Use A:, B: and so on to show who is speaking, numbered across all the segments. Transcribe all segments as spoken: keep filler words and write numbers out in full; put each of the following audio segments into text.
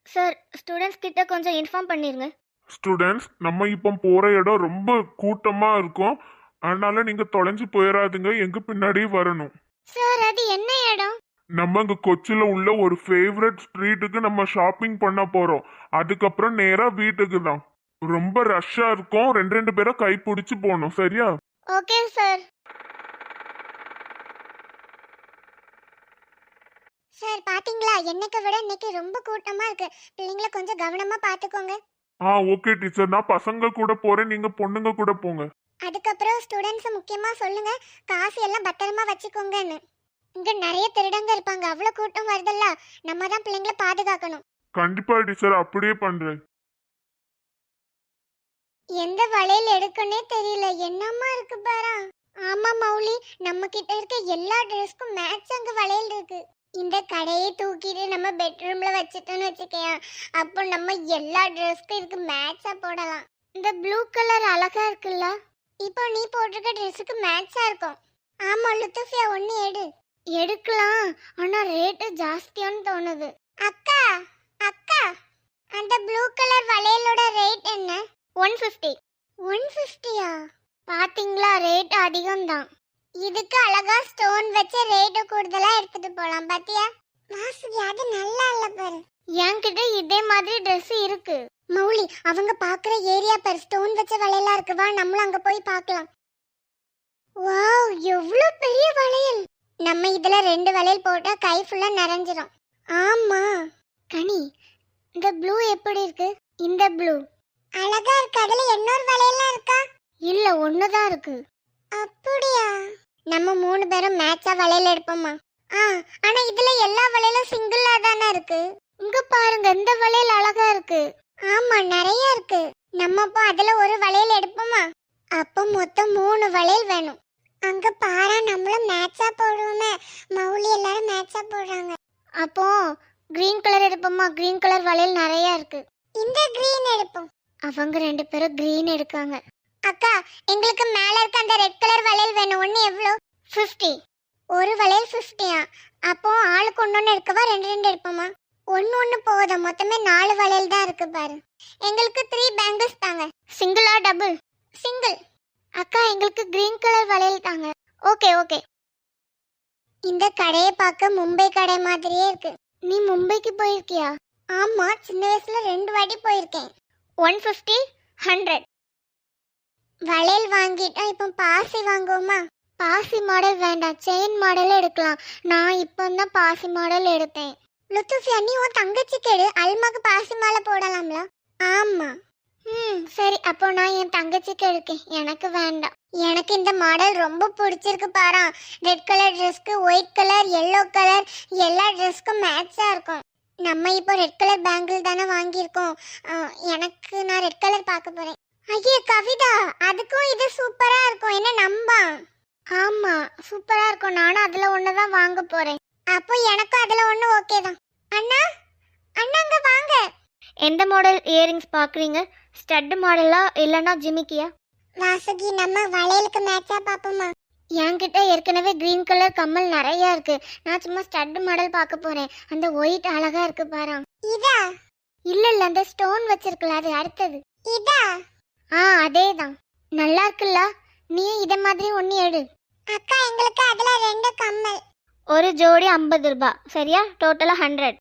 A: Sir students கிட்ட கொஞ்சம் inform பண்ணிருங்க.
B: ஸ்டூடெண்ட்ஸ், நம்ம இப்போ போற இடம் ரொம்ப கூட்டமா இருக்கும். அதனால நீங்க தொலைஞ்சு போயிடாதுங்க, எங்க பின்னாடியே வரணும்.
A: சார் அது என்ன இடம்?
B: நம்ம இங்க கொச்சில உள்ள ஒரு ஃபேவரட் ஸ்ட்ரீட்டுக்கு நம்ம ஷாப்பிங் பண்ண போறோம். அதுக்கப்புறம் நேரா வீட்டுக்கு தான். ரொம்ப ரஷ்ஷா இருக்கும், ரெண்டு ரெண்டு பேரை கை பிடிச்சு போகணும், சரியா?
A: Okay sir. சார் பாத்தீங்களா, என்னைக்கு விட இன்னைக்கு ரொம்ப கூட்டமா இருக்கு. பிள்ளைங்களை கொஞ்சம் கவனமா பாத்துக்கோங்க.
B: ஆ ஓகே டீச்சர், நான் பசங்க கூட போறேன், நீங்க பொண்ணுங்க கூட போங்க.
A: அதுக்கப்புறம் ஸ்டூடெண்ட்ஸ் முக்கியமா சொல்லுங்க, காசு எல்லாம் பத்திரமா வச்சுக்கோங்கன்னு. இங்க நிறைய திருடங்க இருப்பாங்க, அவ்வளவு கூட்டம் வருதல்ல, நம்ம தான் பிள்ளைங்களை பாதுகாக்கணும்.
B: கண்டிப்பா டீச்சர், அப்படியே பண்றேன்.
A: எந்த வளையல் எடுக்கனே தெரியல, என்னம்மா இருக்கு பாரு. ஆமா மௌலி, நம்ம கிட்ட இருக்க எல்லா ட்ரெஸ்க்கும் மேட்ச் அங்க வளையல் இருக்கு. இந்த கடையை தூக்கிட்டு நம்ம பெட்ரூம்ல வச்சிட்டோம்னு வச்சுக்கேன், அப்போ நம்ம எல்லா ட்ரெஸ்க்கும் இதுக்கு மேட்சா போடலாம். இந்த ப்ளூ கலர் அழகா இருக்குல்ல, இப்போ நீ போட்டிருக்க ட்ரெஸ்ஸுக்கு மேட்சா இருக்கும். ஆமா லுத்துஃபியா, ஒன்னு எடு. எடுக்கலாம், ஆனா ரேட்டு ஜாஸ்தியான்னு தோணுது. அக்கா அக்கா, அந்த ப்ளூ கலர் வளையலோட ரேட் என்ன? One fifty. ஒன் ஃபிஃப்டியா? பாத்தீங்களா, ரேட் அதிகம் தான். இதுக்கு அழகா ஸ்டோன் வச்ச ரேட் கூடுதலா எடுத்துட்டு போலாம். பாத்தியா வாசுகி, அது நல்லா இல்ல பாரு. என்கிட்ட இதே மாதிரி Dress இருக்கு. மௌலி, அவங்க பாக்குற ஏரியா பாரு, ஸ்டோன் வச்ச வளையலா இருக்கு. வா நம்மளும் அங்க போய் பார்க்கலாம். வாவ், எவ்வளவு பெரிய வளையல். நம்ம இதுல ரெண்டு வளையல் போட்டா கை ஃபுல்லா நிறைஞ்சிரும். ஆமா கனி, இந்த ப்ளூ எப்படி இருக்கு? இந்த ப்ளூ அழகா இருக்கு. அதுல இன்னொரு வளையல்லாம் இருக்கா? இல்ல, ஒண்ணுதான் இருக்கு. அப்படியா? நம்ம மூணு பேரும் மேட்சா வளையல் எடுப்போமா? ஆ, ஆனா இதுல எல்லா வளையலும் சிங்கிளா தானே இருக்கு. இங்க பாருங்க, இந்த வளையல் அழகா இருக்கு. ஆமா, நிறைய இருக்கு. நம்ம அப்போ அதுல ஒரு வளையல் எடுப்போமா? அப்போ மொத்தம் மூணு வளையல் வேணும். அங்க பாரா, நம்மளும் மேட்சா போடுவோமே. மௌலி எல்லாரும் மேட்சா போடுறாங்க. அப்போ கிரீன் கலர் எடுப்போமா? கிரீன் கலர் வளையல் நிறைய இருக்கு. இந்த கிரீன் எடுப்போம். அவங்க ரெண்டு பேரும் கிரீன் எடுக்காங்க. அக்கா, எங்களுக்கு மேல இருக்க அந்த ரெட் கலர் வளையல் வேணும். ஒன்னு எவ்வளோ? ஃபிஃப்டி. ஒரு வளையல் ஃபிஃப்டியா? அப்போ ஆளுக்கு ஒன்னொன்னு எடுக்கவா, ரெண்டு ரெண்டு எடுப்போமா? ஒன்னு ஒன்னு போதும், மொத்தமே நாலு வளையல் தான் இருக்கு பாரு. எங்களுக்கு த்ரீ பேங்கிள்ஸ் தாங்க. சிங்கிளா டபுள்? சிங்கிள். அக்கா, எங்களுக்கு கிரீன் கலர் வளையல் தாங்க. Okay okay. இந்த கடையை பார்க்க மும்பை கடை மாதிரியே இருக்கு. நீ மும்பைக்கு போயிருக்கியா? ஆமா, சின்ன வயசுல ரெண்டு வாட்டி போயிருக்கேன். One fifty, hundred. வளையல் வாங்கிட்டா இப்போ பாசி வாங்குவோமா? பாசி மாடல் வேண்டாம், செயின் மாடல் எடுக்கலாம். நான் இப்போ தான் பாசி மாடல் எடுத்தேன். லுத்துஃபியா, நீ உன் தங்கச்சிக்கு எடு, அல்மாக்கு பாசி மாலை போடலாம்ல? ஆமா. ம் சரி, அப்போ நான் என் தங்கச்சிக்கு எடுக்கேன், எனக்கு வேண்டாம். எனக்கு இந்த மாடல் ரொம்ப பிடிச்சிருக்கு பாரா. ரெட் கலர் ட்ரெஸ்க்கு ஒயிட் கலர், எல்லோ கலர், எல்லா ட்ரெஸ்க்கும் மேட்சா இருக்கும். நம்ம இப்போ ரெட் கலர் பேங்கிள் தானே வாங்கியிருக்கோம். எனக்கு நான் ரெட் கலர் பார்க்க போறேன். ஐயே கவிதா, அதுக்கும் இது சூப்பரா இருக்கும், என்ன நம்பா? ஆமா சூப்பரா இருக்கும், நானும் அதுல ஒண்ணு தான் வாங்க போறேன். அப்போ எனக்கும் அதுல ஒண்ணு ஓகே தான். அண்ணா அண்ணா, அங்க வாங்க. எந்த மாடல் இயரிங்ஸ் பாக்குறீங்க? ஸ்டட் மாடலா இல்லனா ஜிமிக்கியா? வாசுகி, நம்ம வளையலுக்கு மேட்சா பாப்போமா? என்கிட்ட ஏற்கனவே கிரீன் கலர் கம்மல் நிறைய இருக்கு. நான் சும்மா ஸ்டட் மாடல் பார்க்க போறேன். அந்த ஒயிட் அழகா இருக்கு பாரு. இதா? இல்ல இல்ல, அந்த ஸ்டோன் வச்சிருக்கல, அது அடுத்தது. இதா? ஆ அதேதான், நல்லா இருக்குல்ல. நீ இத மாதிரி ஒண்ணு எடு. அக்கா, எங்களுக்கு அதுல ரெண்டு கம்மல். ஒரு ஜோடி ஐம்பது ரூபாய், சரியா? டோட்டலா ஹண்ட்ரட்.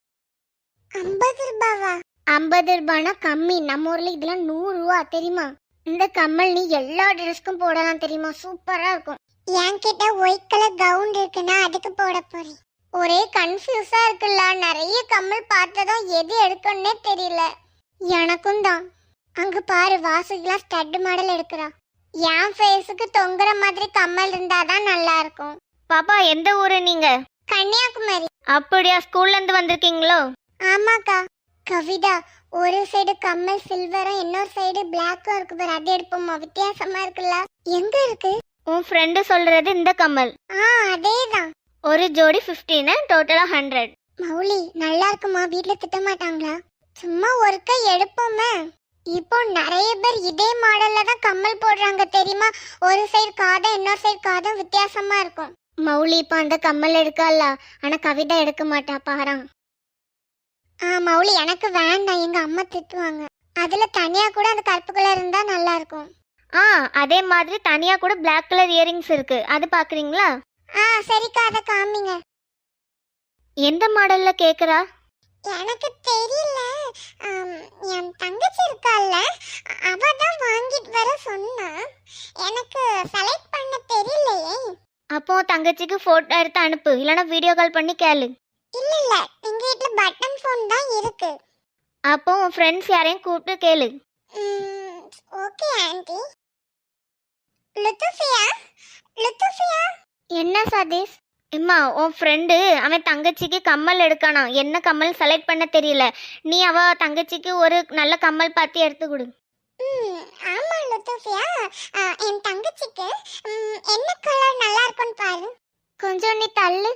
A: ஐம்பது ரூபாவா? ஐம்பது ரூபானா கம்மி, நம்ம ஊர்ல இதுல நூறு ரூபா தெரியுமா? இந்த கம்மல் நீ எல்லா ட்ரெஸ்க்கும் போடலாம் தெரியுமா, சூப்பரா இருக்கும். என்கிட்ட ஒயிட் கலர் கவுன் இருக்குன்னா அதுக்கு போட போறேன். ஒரே கன்ஃபியூஸா இருக்குல்ல, நிறைய கம்மல் பார்த்ததும் எது எடுக்கணும்னே தெரியல. எனக்கும் தான். அங்க பாரு, வாசுகிலா ஸ்டட் மாடல் எடுக்கிறா. என் ஃபேஸுக்கு தொங்குற மாதிரி கம்மல் இருந்தாதான் நல்லா இருக்கும். பாப்பா, எந்த ஊரு நீங்க? கன்னியாகுமரி. அப்படியா, ஸ்கூல்ல இருந்து வந்திருக்கீங்களோ? ஆமாக்கா. கவிதா, ஒரு சைடு கம்மல் சில்வரும் இன்னொரு சைடு பிளாக்கும் இருக்கு பாரு, அது எடுப்போமா? வித்தியாசமா இருக்குல்ல. எங்க இருக்கு? உன் ஃப்ரெண்டு சொல்றது இந்த கம்மல். ஆ அதேதான். ஒரு ஜோடி ஃபிஃப்டீன், டோட்டலா ஹண்ட்ரட். மௌலி, நல்லா இருக்குமா? வீட்ல திட்ட மாட்டாங்களா? சும்மா ஒருக்கா எடுப்போமே. இப்போ நிறைய பேர் இதே மாடல்ல தான் கம்மல் போடுறாங்க தெரியுமா? ஒரு சைடு காதும் இன்னொரு சைடு காதும் வித்தியாசமா இருக்கும். மௌலி இப்போ அந்த கம்மல் எடுக்கல, ஆனா கவிதா எடுக்க மாட்டா பாரா. ஆ மௌலி எனக்கு வேண்டாம், எங்க அம்மா திட்டுவாங்க. அதுல தனியா கூட அந்த கருப்பு கலர் இருந்தா நல்லா இருக்கும்.
C: ஆ அதே மாதிரி தனியா கூட Black கலர் இயரிங்ஸ் இருக்கு, அது பாக்குறீங்களா?
A: ஆ சரிக்கா, அதை காமிங்க.
C: எந்த மாடல்ல கேக்குறா?
A: எனக்கு தெரியல. ஆம், என் தங்கச்சி இருக்கால, அவ தான் வாங்கிட்டு வர சொன்னா. எனக்கு செலக்ட் பண்ண தெரியலையே.
C: அப்போ தங்கச்சிக்கு போட்டோ எடுத்து அனுப்பு, இல்லைன்னா வீடியோ கால் பண்ணி கேளு.
A: இல்ல இல்ல, எங்க வீட்ல பட்டன் ஃபோன் தான் இருக்கு.
C: அப்போ உன் ஃப்ரெண்ட்ஸ் யாரையும் கூப்பிட்டு கேளு.
A: ம், ஓகே ஆண்டி. லுத்துஃபியா, லுத்துஃபியா.
C: என்ன சதீஷ்? அம்மா உன் ஃப்ரெண்டு அவன் தங்கச்சிக்கு கம்மல் எடுக்கானா, என்ன கம்மல் செலக்ட் பண்ண தெரியல. நீ அவ தங்கச்சிக்கு ஒரு நல்ல கம்மல் பார்த்து எடுத்து கொடு.
A: ம், ஆமா லுத்துஃபியா, ஆ, என் தங்கச்சிக்கு ம், என்ன கலர் நல்லா இருக்கும்னு பாரு.
C: கொஞ்சம் நீ தள்ளு.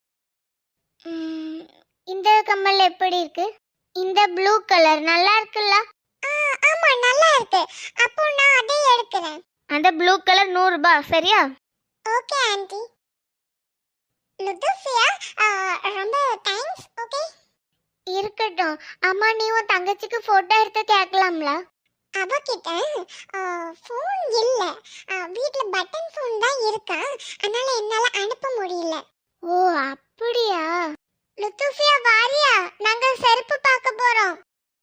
C: ம், இந்த கம்மல் எப்படி இருக்கு? இந்த ப்ளூ கலர் நல்லா இருக்குல்ல?
A: ஆ, ஆமா நல்லா இருக்கு. அப்போ நான் அதே எடுக்கிறேன்.
C: அந்த ப்ளூ கலர் நூறு ரூபாய், சரியா?
A: Okay aunty. லுத்துஃபியா, ஆ, ரொம்ப தேங்க்ஸ். ஓகே
C: இருக்கட்டும். அம்மா நீ உன் தங்கச்சிக்கு போட்டோ எடுத்து கேட்கலாம்ல?
A: அவகிட்ட ஃபோன் இல்ல, வீட்ல பட்டன் ஃபோன் தான் இருக்கா, அதனால என்னால அனுப்ப முடியல.
C: ஓ அப்படியா?
A: லுத்துஃபியா வாரியா, நாங்க செருப்பு பார்க்க போறோம்.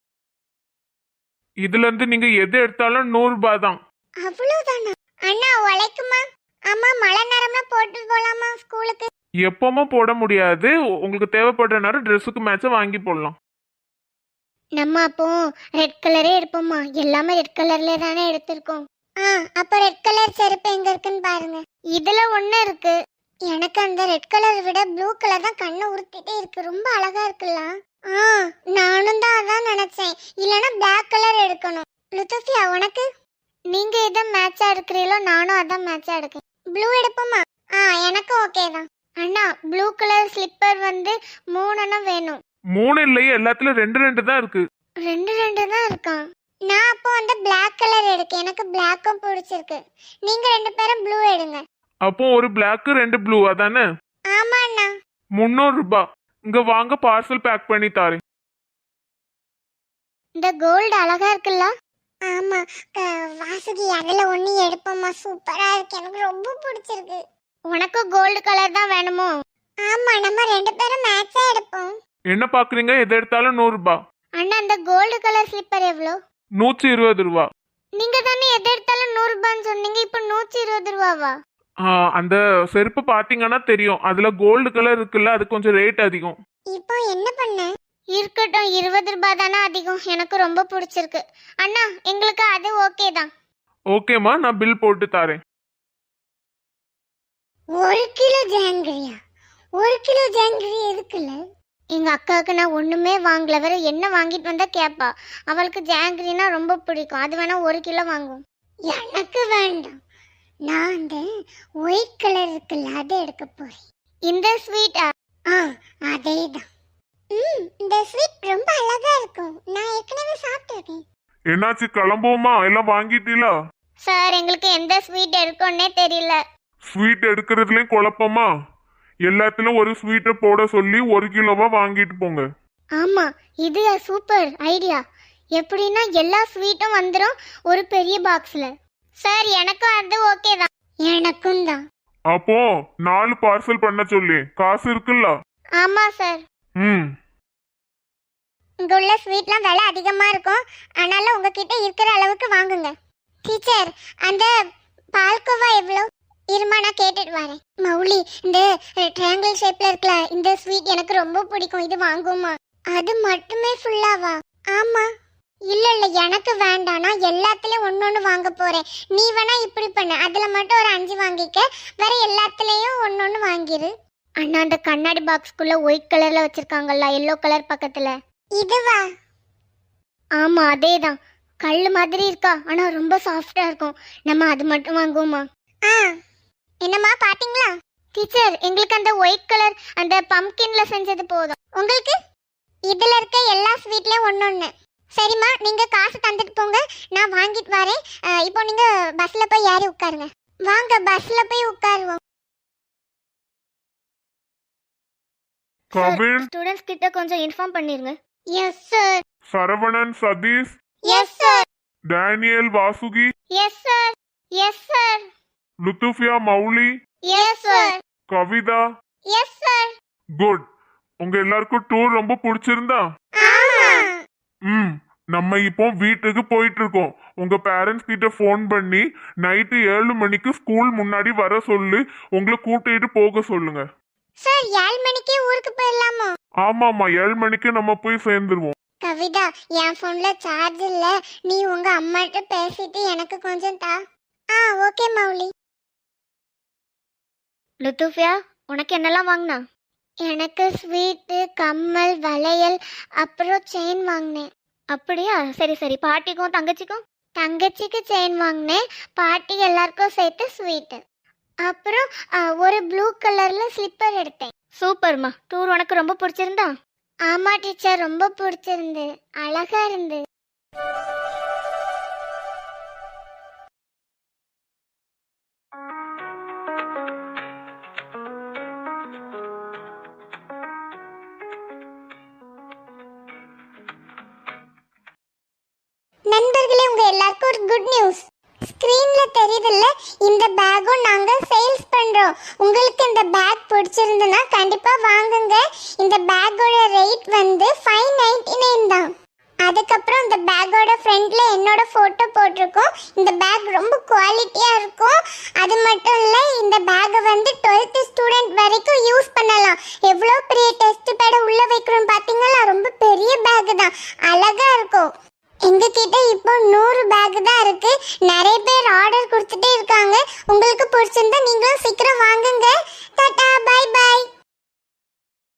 B: இதுல இருந்து நீங்க எது எடுத்தாலும் நூறு ரூபாய் தான்.
A: அவ்வளவுதானா? அண்ணா உழைக்குமா? அம்மா மழை நேரம்ல போட்டு போலாமா ஸ்கூலுக்கு?
B: எப்பவுமே போட முடியாது, உங்களுக்கு தேவைப்படுற நேரம் ட்ரெஸ்ஸுக்கு மேட்சா வாங்கி போடலாம்.
C: நம்ம அப்போ ரெட் கலரே எடுப்போமா? எல்லாமே ரெட் கலர்ல தானே எடுத்திருக்கோம்.
A: ஆ, அப்ப ரெட் கலர் செருப்பு எங்க இருக்குன்னு பாருங்க.
C: இதுல ஒண்ணு இருக்கு.
A: எனக்கு அந்த ரெட் கலர் விட ப்ளூ கலர் தான் கண்ணை உறுத்திட்டே இருக்கு, ரொம்ப அழகா இருக்குல்ல? ஆ, நானும் தான் அதான் நினைச்சேன், இல்லனா பிளாக் கலர் எடுக்கணும். லுத்துஃபியா உனக்கு?
C: நீங்க எதை மேட்சா எடுக்கிறீங்களோ நானும் அதான் மேட்சா எடுக்கேன்.
A: ப்ளூ எடுப்போமா? ஆ, எனக்கு ஓகே தான்.
C: அண்ணா ப்ளூ கலர் ஸ்லிப்பர் வந்து மூணுன்னா வேணும்.
B: மூணு இல்லையே, எல்லாத்துலயும் ரெண்டு ரெண்டு தான் இருக்கு.
C: ரெண்டு ரெண்டு தான் இருக்கான்.
A: நான் அப்போ அந்த பிளாக் கலர் எடுக்கேன், எனக்கு பிளாக்கும் பிடிச்சிருக்கு. நீங்க ரெண்டு பேரும் ப்ளூ எடுங்க.
B: அப்போ ஒரு பிளாக் ரெண்டு ப்ளூ அதானே?
A: ஆமா அண்ணா.
B: முந்நூறு ரூபாய். இங்க வாங்க, பார்சல் பேக் பண்ணி தாரேன்.
C: இந்த கோல்டு அழகா இருக்குல்ல?
A: ஆமா க- வாசுகி, அதுல ஒண்ணு எடுப்போமா? சூப்பரா இருக்கு, எனக்கு ரொம்ப பிடிச்சிருக்கு.
C: உனக்கு கோல்டு கலர் தான் வேணுமோ?
A: ஆமா, நம்ம ரெண்டு பேரும் மேட்சா எடுப்போம்.
B: என்ன பாக்குறீங்க? எது எடுத்தாலும் நூறு ரூபாய்.
C: அண்ணா இந்த கோல்டு கலர் ஸ்லிப்பர் எவ்வளோ?
B: நூற்றி இருபது ரூபா.
C: நீங்க தானே எது எடுத்தாலும் நூறு ரூபான்னு சொன்னீங்க, இப்போ நூற்றி இருபது ரூபாவா?
B: அந்த செருப்பு பாத்தீங்கன்னா தெரியும், அதுல கோல்டு கலர் இருக்குல்ல, அது கொஞ்சம் ரேட் அதிகம்.
A: இப்போ என்ன பண்ண?
C: இருக்கட்டும், இருபது ரூபாய் தானே அதிகம், எனக்கு ரொம்ப பிடிச்சிருக்கு. அண்ணா எங்களுக்கு அது ஓகே தான்.
B: ஓகேம்மா, நான் பில் போட்டு தாரேன்.
A: ஒரு கிலோ ஜாங்கிரியா? ஒரு கிலோ ஜாங்கிரி எதுக்குல்ல?
C: எங்க அக்காவுக்கு நான் ஒண்ணுமே வாங்கல, வேற என்ன வாங்கிட்டு வந்தா கேப்பா. அவளுக்கு ஜாங்கிரினா ரொம்ப பிடிக்கும், அது வேணா ஒரு கிலோ வாங்குவோம்.
A: எனக்கு வேண்டாம், நான் அந்த ஒயிட் கலர் இருக்குல்ல அதை எடுக்க போறேன்.
C: இந்த ஸ்வீட்டா?
A: ஆ, அதேதான். ம், இந்த ஸ்வீட் ரொம்ப அழகா இருக்கும், நான் ஏற்கனவே சாப்பிட்டிருக்கேன்.
B: என்னாச்சு, கிளம்புவோமா? எல்லாம் வாங்கிட்டீங்களா?
C: சார் எங்களுக்கு எந்த ஸ்வீட் எடுக்கணும்னே தெரியல.
B: ஸ்வீட் எடுக்கிறதுலயும் குழப்பமா? எல்லாத்துலயும் ஒரு ஸ்வீட்டை போட சொல்லி ஒரு கிலோவா வாங்கிட்டு போங்க.
C: ஆமா, இது சூப்பர் ஐடியா. எப்படின்னா எல்லா ஸ்வீட்டும் வந்துடும் ஒரு பெரிய பாக்ஸ்ல. சார் எனக்கும் அது ஓகே தான்.
A: எனக்கும் தான்.
B: அப்போ நாலு பார்சல் பண்ண சொல்லி காசு இருக்குல்ல?
C: ஆமா சார்.
B: ம்,
A: இங்க உள்ள ஸ்வீட்லாம் விலை அதிகமா இருக்கும், அதனால உங்ககிட்ட இருக்கிற அளவுக்கு வாங்குங்க. டீச்சர், அந்த பால்கோவா எவ்வளோ? இருமா நான் கேட்டுட்டு வரேன். மௌலி, இந்த ட்ரையாங்கிள் ஷேப்ல இருக்கல இந்த ஸ்வீட் எனக்கு ரொம்ப பிடிக்கும், இது வாங்குமா? அது மட்டுமே ஃபுல்லாவா? ஆமா. இல்ல இல்ல, எனக்கு வேண்டாம், நான் எல்லாத்துலயும் ஒன்னொன்னு வாங்க போறேன். நீ வேணா இப்படி பண்ணு, அதுல மட்டும் ஒரு அஞ்சு வாங்கிக்க, வேற எல்லாத்துலயும் ஒன்னொன்னு வாங்கிரு.
C: அண்ணா அந்த கண்ணாடி பாக்ஸ்க்குள்ள ஒயிட் கலர்ல வச்சிருக்காங்கல்ல, எல்லோ கலர் பக்கத்துல.
A: இதுவா?
C: ஆமா அதேதான். கல்லு மாதிரி இருக்கா, ஆனா ரொம்ப சாஃப்டா இருக்கும். நம்ம அது மட்டும் வாங்குவோமா?
A: ஆ, என்னம்மா பாத்தீங்களா?
C: டீச்சர் எங்களுக்கு அந்த ஒயிட் கலர் அந்த பம்கின்ல செஞ்சது போதும்.
A: உங்களுக்கு இதுல இருக்க எல்லா ஸ்வீட்லயும் ஒன்னொன்னு. சரிம்மா, நீங்க காசு தந்துட்டு போங்க, நான் வாங்கிட்டு வரேன். அஹ், இப்போ நீங்க பஸ்ல போய் ஏறி உட்காருங்க. வாங்க பஸ்ல போய் உட்காருவோம்.
B: கவின்,
C: ஸ்டூடெண்ட்ஸ் கிட்ட கொஞ்சம் இன்ஃபார்ம் பண்ணிருங்க.
A: Yes sir.
B: Saravanan Satish,
A: yes sir.
B: Daniel Vasuki,
A: yes sir. Yes sir.
B: Luthfiya Mouli,
A: yes sir.
B: Kavitha.
A: Yes sir.
B: Good. உங்க எல்லாருக்கும் டூர் ரொம்ப பிடிச்சிருந்தா?
A: ஆமா.
B: ம் நம்ம இப்போ வீட்டுக்கு போயிட்டு இருக்கோம். உங்க பேரண்ட்ஸ் கிட்ட ஃபோன் பண்ணி நைட்டு ஏழு மணிக்கு ஸ்கூல் முன்னாடி வர சொல்லி உங்களை கூட்டிட்டு போக சொல்லுங்க.
A: சார் ஏழு மணிக்கே ஊருக்கு போயிடலாமா?
B: ஆமாமா, ஏழு மணிக்கு நம்ம போய் சேர்ந்துருவோம்.
A: கவிதா, என் போன்ல சார்ஜ் இல்ல, நீ உங்க அம்மாட்ட பேசிட்டு எனக்கு கொஞ்சம் தா. ஆ ஓகே மௌலி.
C: லுத்துஃபியா, உனக்கு என்னெல்லாம் வாங்கினா?
A: எனக்கு ஸ்வீட்டு, கம்மல், வளையல், அப்புறம் செயின் வாங்கினேன்.
C: அப்படியா? சரி சரி. பாட்டிக்கும் தங்கச்சிக்கும்?
A: தங்கச்சிக்கு செயின் வாங்கினேன், பாட்டி எல்லாருக்கும் சேர்த்து ஸ்வீட்டு. அப்புறம் ஆ, ஒரு ப்ளூ கலர்ல ஸ்லிப்பர் எடுத்தேன்.
C: சூப்பர்மா. டூர் உனக்கு ரொம்ப பிடிச்சிருந்தா?
A: ஆமா டீச்சர், ரொம்ப பிடிச்சிருந்து, அழகா இருந்து. நண்பர்களே, உங்க எல்லாருக்கும் ஒரு குட் நியூஸ். ஸ்கிரீன்ல தெரியுதுல்ல, இந்த பேக்கும் நாங்க சேல்ஸ் பண்றோம். உங்களுக்கு இந்த பேக் பிடிச்சிருந்ததுன்னா கண்டிப்பா வாங்குங்க. இந்த பேக்கோட ரேட் வந்து ஃபைவ் நைன்டி நைன் தான். அதுக்கப்புறம் இந்த பேக்கோட ஃப்ரண்ட்ல என்னோட போட்டோ போட்டிருக்கோம். இந்த பேக் ரொம்ப குவாலிட்டியா இருக்கும். அது மட்டும் இல்ல, இந்த பேக்கை வந்து டுவெல்த் ஸ்டூடெண்ட் வரைக்கும் யூஸ் பண்ணலாம். எவ்வளோ பெரிய டெஸ்ட் பேட உள்ள வைக்கிறோம் பாத்தீங்களா? ரொம்ப பெரிய பேக் தான், அழகா இருக்கும். எங்க கிட்ட இப்போ நூறு பேக் தான் இருக்கு. நிறைய பேர் ஆர்டர் கொடுத்துட்டே இருக்காங்க. உங்களுக்கு பிடிச்சிருந்தா நீங்களும் சீக்கிரம் வாங்குங்க. Tata, bye by.